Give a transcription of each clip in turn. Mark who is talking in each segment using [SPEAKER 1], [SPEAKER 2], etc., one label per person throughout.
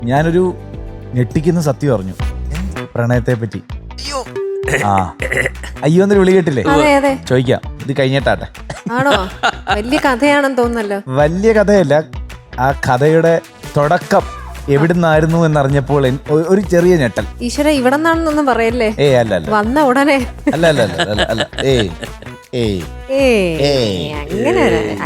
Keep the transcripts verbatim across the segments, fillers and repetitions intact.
[SPEAKER 1] ഞാനൊരു ഞെട്ടിക്കുന്ന സത്യം അറിഞ്ഞു പ്രണയത്തെ പറ്റി. ആ അയ്യോ എന്നൊരു വിളി കേട്ടില്ലേ? ചോദിക്കാം, ഇത് കഴിഞ്ഞിട്ടാട്ടെ.
[SPEAKER 2] ആണോ? വലിയ കഥയാണെന്ന് തോന്നുന്നല്ലോ.
[SPEAKER 1] വലിയ കഥയല്ല, ആ കഥയുടെ തുടക്കം എവിടുന്നായിരുന്നു എന്നറിഞ്ഞപ്പോൾ ഒരു ചെറിയ ഞെട്ടൽ.
[SPEAKER 2] ഈശ്വര, ഇവിടെ നിന്നാണെന്നൊന്നും പറയല്ലേ?
[SPEAKER 1] ഏ അല്ല അല്ല
[SPEAKER 2] വന്ന ഉടനെ
[SPEAKER 1] അല്ല അല്ല അല്ല അല്ല ഏ
[SPEAKER 2] അങ്ങനെ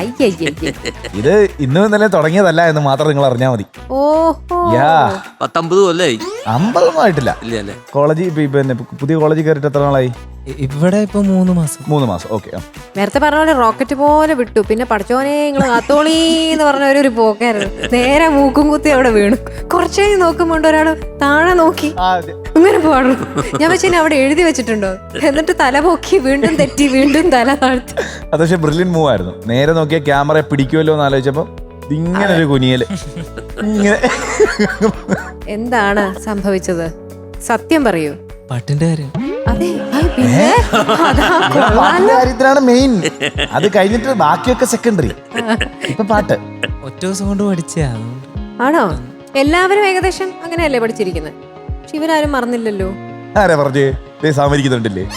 [SPEAKER 1] ഇത് ഇന്നും ഇന്നലെ തുടങ്ങിയതല്ല എന്ന് മാത്രം നിങ്ങൾ അറിഞ്ഞാൽ മതി.
[SPEAKER 2] ഓഹോ,
[SPEAKER 3] പത്തമ്പത് കൊല്ലായി.
[SPEAKER 1] അമ്പതൊന്നും ആയിട്ടില്ല. കോളേജിൽ പിന്നെ പുതിയ കോളേജിൽ കയറിയിട്ട് എത്ര നാളായി?
[SPEAKER 4] ഇവിടെ ഇപ്പൊ മൂന്ന് മാസം.
[SPEAKER 1] മൂന്ന് മാസം ഓക്കെ.
[SPEAKER 2] നേരത്തെ പറഞ്ഞ പോലെ റോക്കറ്റ് പോലെ വിട്ടു. പിന്നെ പഠിച്ചോനെ നിങ്ങള് കാത്തോളി എന്ന് പറഞ്ഞ ഒരു പോക്കായിരുന്നു. നേരെ മൂക്കും കുത്തി അവിടെ വീണു. കുറച്ചു കഴിഞ്ഞ് നോക്കുമ്പോ ഒരാള് താഴെ നോക്കി ഇങ്ങനെ പാടും. ഞാൻ വെച്ചാൽ അവിടെ എഴുതി വെച്ചിട്ടുണ്ടോ? എന്നിട്ട് തല പൊക്കി വീണ്ടും തെറ്റി വീണ്ടും തല താഴ്ത്തി.
[SPEAKER 1] അത് പക്ഷെ ബ്രില്യൻ മൂവ് ആയിരുന്നു. നേരെ നോക്കിയ ക്യാമറ പിടിക്കുമല്ലോ എന്ന് ആലോചിച്ചപ്പോ ഇങ്ങനെ ഒരു കുനിയല്. ഇങ്ങനെ
[SPEAKER 2] എന്താണ് സംഭവിച്ചത്? സത്യം പറയൂ.
[SPEAKER 4] പാട്ടിന്റെ കാര്യം.
[SPEAKER 2] അതെ, പിന്നെ
[SPEAKER 1] കാര്യത്തിലാണ് മെയിൻ. അത് കഴിഞ്ഞിട്ട് ബാക്കിയൊക്കെ സെക്കൻഡറി. ഇപ്പൊ പാട്ട്
[SPEAKER 4] ഒറ്റ ദിവസം കൊണ്ട് പഠിച്ചാ.
[SPEAKER 2] ആണോ? എല്ലാവരും ഏകദേശം അങ്ങനെയല്ലേ പഠിച്ചിരിക്കുന്നത്? പക്ഷെ ഇവരാരും മറന്നില്ലല്ലോ.
[SPEAKER 1] ആരാ പറഞ്ഞേ? സാമരിക്കുന്നുണ്ടല്ലേ?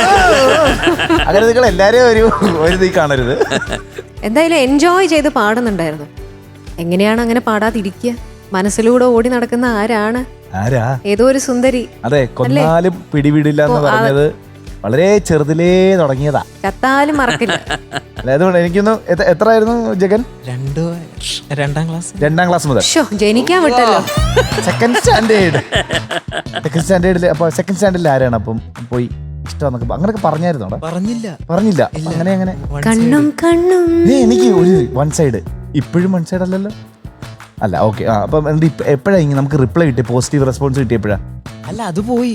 [SPEAKER 1] അങ്ങനെ നിങ്ങൾ എല്ലാരെയും ഒരു ഒരു നീ കാണരുത്.
[SPEAKER 2] എന്തായാലും എൻജോയ് ചെയ്ത് പാടുന്നുണ്ടായിരുന്നു. എങ്ങനെയാണ് അങ്ങനെ പാടാതിരിക്കുക? മനസ്സിലൂടെ ഓടി നടക്കുന്ന ആരാണ്?
[SPEAKER 1] ആരാ?
[SPEAKER 2] ഏതോ ഒരു സുന്ദരി.
[SPEAKER 1] അതെ, കൊന്നാലും പിടിപിടില്ല എന്ന് പറഞ്ഞത് വളരെ ചെറുതിലേ തുടങ്ങിയതാ.
[SPEAKER 2] ചത്താലും മറക്കില്ല.
[SPEAKER 1] അതുകൊണ്ട് എനിക്കൊന്ന് എത്ര ആയിരുന്നു ജഗൻ?
[SPEAKER 4] രണ്ടു രണ്ടാം ക്ലാസ്
[SPEAKER 1] രണ്ടാം ക്ലാസ് മുതൽ
[SPEAKER 2] ജനിക്കാൻ വിട്ടല്ലോ.
[SPEAKER 1] സെക്കൻഡ് സ്റ്റാൻഡേർഡ് സെക്കൻഡ് സ്റ്റാൻഡേർഡിൽ അപ്പൊ സെക്കൻഡ് സ്റ്റാൻഡേർഡിൽ ആരാണ് അപ്പം പോയി ഇഷ്ടം അങ്ങനെയൊക്കെ പറഞ്ഞായിരുന്നോ?
[SPEAKER 4] പറഞ്ഞില്ല
[SPEAKER 1] പറഞ്ഞില്ല അങ്ങനെ അങ്ങനെ
[SPEAKER 2] കണ്ണും കണ്ണും.
[SPEAKER 1] എനിക്ക് ഒരു വൺ സൈഡ്. ഇപ്പോഴും വൺ സൈഡ് അല്ലല്ലോ. അല്ല ഓക്കെ. ആ അപ്പം എപ്പോഴാ ഇങ്ങനെ നമുക്ക് റിപ്ലൈ കിട്ടി, പോസിറ്റീവ് റെസ്പോൺസ് കിട്ടിയപ്പോഴാ?
[SPEAKER 4] അല്ല, അത് പോയി.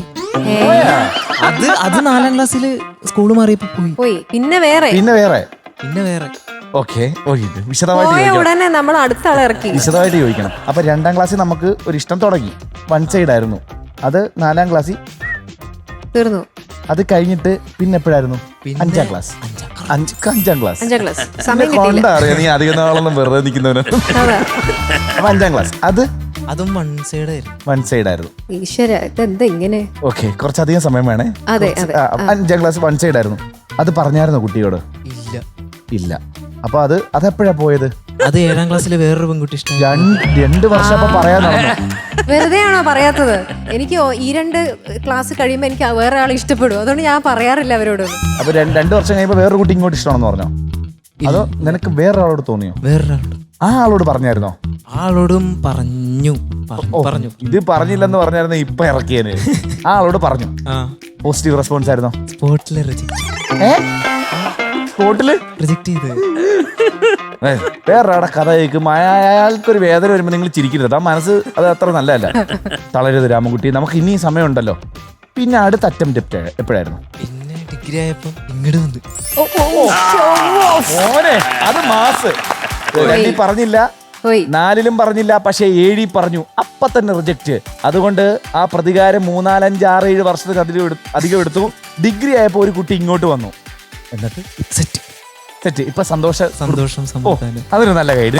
[SPEAKER 4] അത് അത് നാലാം ക്ലാസ്സിൽ സ്കൂൾ മാറിയപ്പോ പോയി
[SPEAKER 2] പോയി പിന്നെ വേറെ
[SPEAKER 1] പിന്നെ വേറെ
[SPEAKER 4] പിന്നെ വേറെ
[SPEAKER 1] ഓക്കെ. വിശദമായിട്ട്
[SPEAKER 2] ഉടനെ നമ്മൾ അടുത്ത ആളെ ഇറക്കി.
[SPEAKER 1] വിശദമായിട്ട് ചോദിക്കണം. അപ്പൊ രണ്ടാം ക്ലാസ്സിൽ നമുക്ക് ഒരു ഇഷ്ടം തുടങ്ങി, വൺ സൈഡ് ആയിരുന്നു. അത് നാലാം ക്ലാസ്സിൽ
[SPEAKER 2] തീർന്നു.
[SPEAKER 1] അത് കഴിഞ്ഞിട്ട് പിന്നെ എപ്പോഴായിരുന്നു? അഞ്ചാം ക്ലാസ്. അഞ്ചാം ക്ലാസ്
[SPEAKER 2] അഞ്ചാം ക്ലാസ് സമയം
[SPEAKER 1] കൊണ്ടറിയാം നീ അധികം നാളൊന്നും വെറുതെ നിൽക്കുന്നവന്. അപ്പൊ അഞ്ചാം ക്ലാസ് അത്
[SPEAKER 4] അതും വൺ സൈഡ് ആയിരുന്നു.
[SPEAKER 1] വൺ സൈഡ് ആയിരുന്നു.
[SPEAKER 2] ഈശ്വര, ഇതെന്താ ഇങ്ങനെ?
[SPEAKER 1] ഓക്കെ, കുറച്ചധികം സമയം വേണേ.
[SPEAKER 2] അതെ അതെ.
[SPEAKER 1] അഞ്ചാം ക്ലാസ് വൺ സൈഡ് ആയിരുന്നു. അത് പറഞ്ഞായിരുന്നോ കുട്ടിയോട്?
[SPEAKER 4] ഇല്ല
[SPEAKER 1] ഇല്ല. അപ്പൊ അത് അതെപ്പോഴാ പോയത്?
[SPEAKER 4] അത് ഏഴാം ക്ലാസ്സിലെ വേറൊരു പെൺകുട്ടി ഇഷ്ടം.
[SPEAKER 1] രണ്ട് വർഷം അപ്പൊ പറയാൻ നടന്നു.
[SPEAKER 2] വെറുതെ ആണോ പറയാത്തത്? എനിക്ക് ഈ രണ്ട് ക്ലാസ് കഴിയുമ്പോ എനിക്ക് വേറെ ആളെ ഇഷ്ടപ്പെടും. അതുകൊണ്ട് ഞാൻ പറയാറില്ല അവരോടൊന്നും.
[SPEAKER 1] അപ്പൊ രണ്ടു വർഷം കഴിയുമ്പോ വേറൊരു കുട്ടി ഇങ്ങോട്ട് ഇഷ്ടമാണെന്ന് പറഞ്ഞോ? അതോ നിനക്ക് വേറൊരാളോട് തോന്നിയോ?
[SPEAKER 4] വേറൊരാളോട്.
[SPEAKER 1] ആ ആളോട് പറഞ്ഞായിരുന്നോ?
[SPEAKER 4] ആളോടും പറഞ്ഞു പറഞ്ഞു
[SPEAKER 1] ഇത് പറഞ്ഞില്ലെന്ന് പറഞ്ഞായിരുന്നു ഇപ്പൊ ഇറക്കിയേന്. ആ ആളോട് പറഞ്ഞു. പോസിറ്റീവ് റെസ്പോൺസ് ആയിരുന്നോ?
[SPEAKER 4] സ്പോട്ടില് റിജക്ട്.
[SPEAKER 1] സ്പോട്ടില്
[SPEAKER 4] റിജക്ട് ചെയ്ത്.
[SPEAKER 1] വേറൊരാടെ കഥ കേൾക്കും, അയാൾക്കൊരു വേദന വരുമ്പോ നിങ്ങൾ ചിരിക്കരുത്. ആ മനസ്സ് അത് അത്ര നല്ലതല്ല. തളരരുത് രാമൻകുട്ടി, നമുക്ക് ഇനി സമയമുണ്ടല്ലോ. പിന്നെ അടുത്ത അറ്റംപ്റ്റ് എപ്പോഴായിരുന്നു?
[SPEAKER 4] പിന്നെ ഡിഗ്രി ആയപ്പോ ഇങ്ങോട്ട് വന്ന്.
[SPEAKER 1] മോനെ അത് മാസ്. രണ്ടിൽ പറഞ്ഞില്ല, നാലിലും പറഞ്ഞില്ല, പക്ഷെ ഏഴി പറഞ്ഞു. അപ്പൊ തന്നെ റിജക്റ്റ്. അതുകൊണ്ട് ആ പ്രതികാരം മൂന്നാലഞ്ച് ആറ് ഏഴ് വർഷത്തിന് അധികം അധികം എടുത്തു. ഡിഗ്രി ആയപ്പോ ഒരു കുട്ടി ഇങ്ങോട്ട് വന്നു. എന്നിട്ട്
[SPEAKER 4] സെറ്റ്
[SPEAKER 1] സെറ്റ്. ഇപ്പൊ സന്തോഷ
[SPEAKER 4] സന്തോഷം സമാധാനം.
[SPEAKER 1] അതൊരു നല്ല കൈ.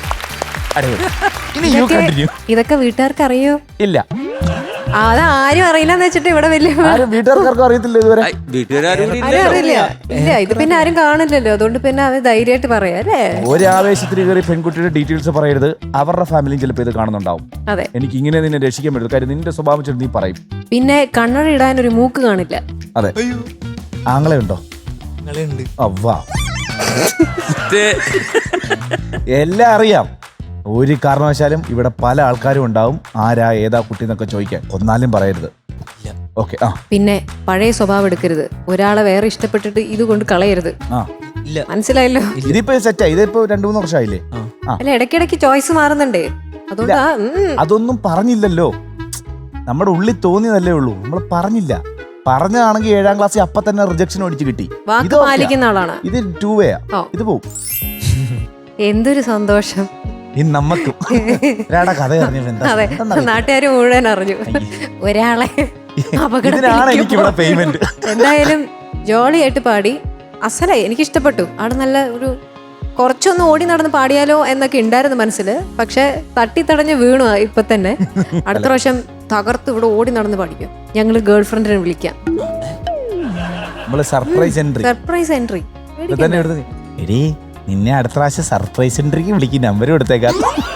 [SPEAKER 1] ഇനി യു കണ്ടിന്യൂ.
[SPEAKER 2] ഇതൊക്കെ വീട്ടുകാർക്ക് അറിയോ?
[SPEAKER 1] ഇല്ല,
[SPEAKER 2] അത് ആരും അറിയില്ലെന്ന് വെച്ചിട്ട് ഇവിടെ വലിയ
[SPEAKER 1] വീട്ടുകാർക്കും അറിയത്തില്ല ഇതുവരെ.
[SPEAKER 3] വീട്ടുകാരും
[SPEAKER 2] അറിയില്ല. ഇല്ല, ഇത് പിന്നെ ആരും കാണില്ലല്ലോ. അതുകൊണ്ട് പിന്നെ അത് ധൈര്യമായിട്ട് പറയാം അല്ലേ?
[SPEAKER 1] ഒരു ആവേശത്തിന് കയറി പെൺകുട്ടിയുടെ ഡീറ്റെയിൽസ് പറയരുത്. അവരുടെ ഫാമിലിയും ചിലപ്പോൾ ഇത് കാണുന്നുണ്ടാവും.
[SPEAKER 2] അതെ,
[SPEAKER 1] എനിക്ക് ഇങ്ങനെ നിന്നെ രക്ഷിക്കാൻ പറ്റും. കാര്യം നിന്റെ സ്വഭാവം വെച്ചിട്ട് നീ പറയും.
[SPEAKER 2] പിന്നെ കണ്ണട ഇടാൻ ഒരു മൂക്ക് കാണില്ല.
[SPEAKER 1] അതെ. ആങ്ങളെ ഉണ്ടോ?
[SPEAKER 4] ഉണ്ട്.
[SPEAKER 1] അവ്വാ, എല്ലാം അറിയാം. ഒരു കാരണവശാലും ഇവിടെ പല ആൾക്കാരും ഉണ്ടാവും. ആരാ ഏതാ കുട്ടി എന്നൊക്കെ ചോദിക്കാൻ. ഒന്നാലും പറയരുത്. ഓക്കെ. ആ
[SPEAKER 2] പിന്നെ പഴയ സ്വഭാവം എടുക്കരുത്. ഒരാളെ വേറെ ഇഷ്ടപ്പെട്ടിട്ട് ഇത് കൊണ്ട് കളയരുത്.
[SPEAKER 1] ആ
[SPEAKER 4] ഇല്ല,
[SPEAKER 2] മനസ്സിലായല്ലോ?
[SPEAKER 1] ഇതിപ്പോ സെറ്റാ. ഇതിപ്പോ രണ്ടു മൂന്ന് വർഷമായില്ലേ?
[SPEAKER 2] അല്ല, ഇടയ്ക്കിടയ്ക്ക് ചോയ്സ് മാറുന്നുണ്ടേ. അതുകൊണ്ടാ.
[SPEAKER 1] അതൊന്നും പറഞ്ഞില്ലല്ലോ. നമ്മുടെ ഉള്ളിൽ തോന്നിയതല്ലേ ഉള്ളൂ. നമ്മൾ പറഞ്ഞില്ല. പറഞ്ഞാണെങ്കിൽ ഏഴാം ക്ലാസ്സിൽ അപ്പൊ തന്നെ റിജക്ഷൻ അടിച്ച് കിട്ടി.
[SPEAKER 2] വാക്ക് പാലിക്കുന്ന ആളാണ്.
[SPEAKER 1] ഇത് ടൂ വേയാ. ഇത് പോവും. എന്തൊരു
[SPEAKER 2] സന്തോഷം
[SPEAKER 1] ഈ നമ്മക്കും കഥ അറിഞ്ഞു.
[SPEAKER 2] നാട്ടുകാര് മുഴുവൻ അറിഞ്ഞു ഒരാളെ
[SPEAKER 1] എനിക്കിവിടെ പേയ്മെന്റ്.
[SPEAKER 2] എന്തായാലും ജോളിയായിട്ട് പാടി. അസലായി, എനിക്ക് ഇഷ്ടപ്പെട്ടു. അവിടെ നല്ല ഒരു കുറച്ചൊന്ന് ഓടി നടന്ന് പാടിയാലോ എന്നൊക്കെ ഉണ്ടായിരുന്നു മനസ്സിൽ. പക്ഷെ തട്ടിത്തടഞ്ഞ് വീണു ഇപ്പൊ തന്നെ. അടുത്ത പ്രാവശ്യം തകർത്ത് ഇവിടെ ഓടി നടന്ന് പാടിക്കും. ഞങ്ങള് ഗേൾ ഫ്രണ്ടിനെ വിളിക്കാം.
[SPEAKER 1] സർപ്രൈസ് എൻട്രി
[SPEAKER 2] സർപ്രൈസ് എൻട്രി
[SPEAKER 1] എടീ നിന്നെ അടുത്ത പ്രാവശ്യം സർപ്രൈസ് എൻട്രിക്ക് വിളിക്കും. നമ്പർ കൊടുത്തേക്കാം.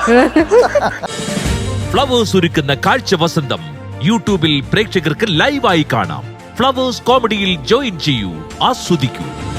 [SPEAKER 5] ഫ്ലവേഴ്സ് ഒരുക്കുന്ന കാഴ്ച വസന്തം യൂട്യൂബിൽ പ്രേക്ഷകർക്ക് ലൈവായി കാണാം. ഫ്ലവേഴ്സ് കോമഡിയിൽ ജോയിൻ ചെയ്യൂ, ആസ്വദിക്കൂ.